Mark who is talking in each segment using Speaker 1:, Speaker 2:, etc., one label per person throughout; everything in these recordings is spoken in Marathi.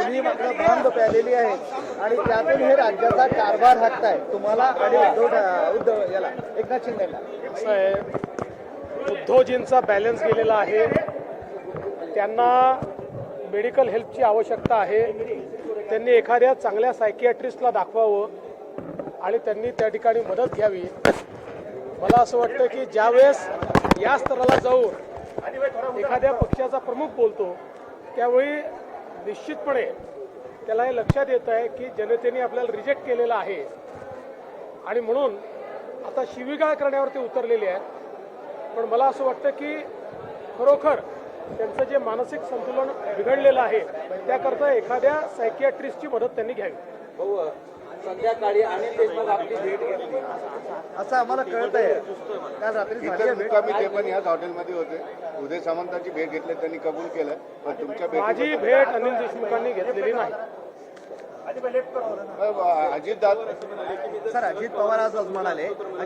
Speaker 1: तुम्ही मात्र भांग प्यालेली आहे आणि त्यातून हे राज्याचा कारभार हाकताय तुम्हाला आणि उद्धव याला एकनाथ शिंदेला.
Speaker 2: असं आहे, उद्धवजींचा बॅलन्स गेलेला आहे. त्यांना मेडिकल हेल्पची आवश्यकता आहे. त्यांनी एखाद्या चांगल्या सायकियाट्रिस्टला दाखवावं आणि त्यांनी त्या ठिकाणी मदत घ्यावी. मला असं वाटतं की ज्यावेळेस या स्तराला जाऊन एखाद्या पक्षाचा प्रमुख बोलतो त्यावेळी निश्चितपणे त्याला हे लक्षात येतं आहे की जनतेने आपल्याला रिजेक्ट केलेलं आहे आणि म्हणून आता शिवीगाळ करण्यावर ते उतरलेले आहेत. पण मला असं वाटतं की खरोखर त्यांचं जे मानसिक संतुलन बिघडलेलं आहे त्याकरता एखाद्या सायकियाट्रिस्टची मदत त्यांनी घ्यावी.
Speaker 3: संध्याकाळी अनिल देशमुख आपली भेट घेतली
Speaker 1: असं आम्हाला कळत आहे. काल रात्री झाली आहे भेट.
Speaker 4: मुक्कामी ते पण याच हॉटेलमध्ये होते. उदय सामंतांची भेट घेतली, त्यांनी कबूल केलं. पण तुमच्या
Speaker 2: माझी भेट अनिल देशमुखांनी घेतलेली नाही.
Speaker 4: अजितदादा
Speaker 1: सर अजित पवार आज म्हणाले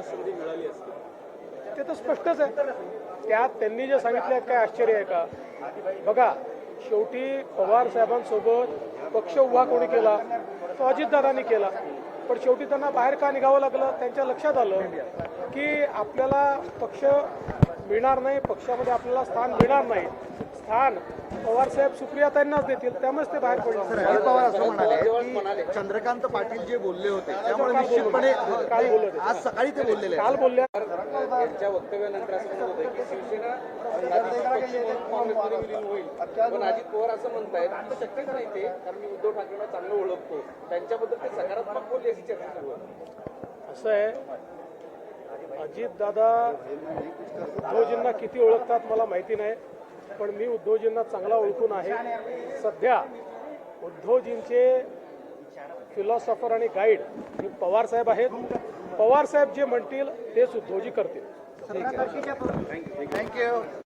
Speaker 2: ते तर स्पष्टच आहे. त्यात त्यांनी जे सांगितलं काय आश्चर्य आहे का? बघा, शेवटी पवार साहेबांसोबत पक्ष उभा कोणी केला? तो अजितदादांनी केला. पण शेवटी त्यांना बाहेर का निघावं लागलं? त्यांच्या लक्षात आलं की आपल्याला पक्ष मिळणार नाही, पक्षामध्ये आपल्याला स्थान मिळणार नाही. स्थान पवारसाहेब सुप्रियाताईंनाच देतील, त्यामुळेच ते बाहेर
Speaker 1: सर
Speaker 2: पडले.
Speaker 1: अजित पवार असं म्हणाले की चंद्रकांत पाटील जे बोलले होते त्यामुळे निश्चितपणे
Speaker 2: काल बोलले होते.
Speaker 1: आज सकाळी ते बोललेले
Speaker 2: काल बोलल्या
Speaker 3: यांच्या वक्तव्यानंतर असं म्हणत होतं की शिवसेना काँग्रेसमध्ये विलीन होईल. पण अजित पवार असं म्हणतायत आता शक्यच नाही ते, कारण मी उद्धव ठाकरेंना चांगलं ओळखतो, त्यांच्याबद्दल ते सकारात्मक बोलले अशी चर्चा सुरू आहे.
Speaker 2: असं आहे, अजितदादा उद्धवजींना किती ओळखतात मला माहिती नाही, पण मी उद्धवजींना चांगला ओळखून आहे. सध्या उद्धवजींचे फिलॉसॉफर आणि गाईड हे पवारसाहेब आहेत. पवारसाहेब जे म्हणतील तेच उद्धवजी करतील.
Speaker 1: थँक्यू.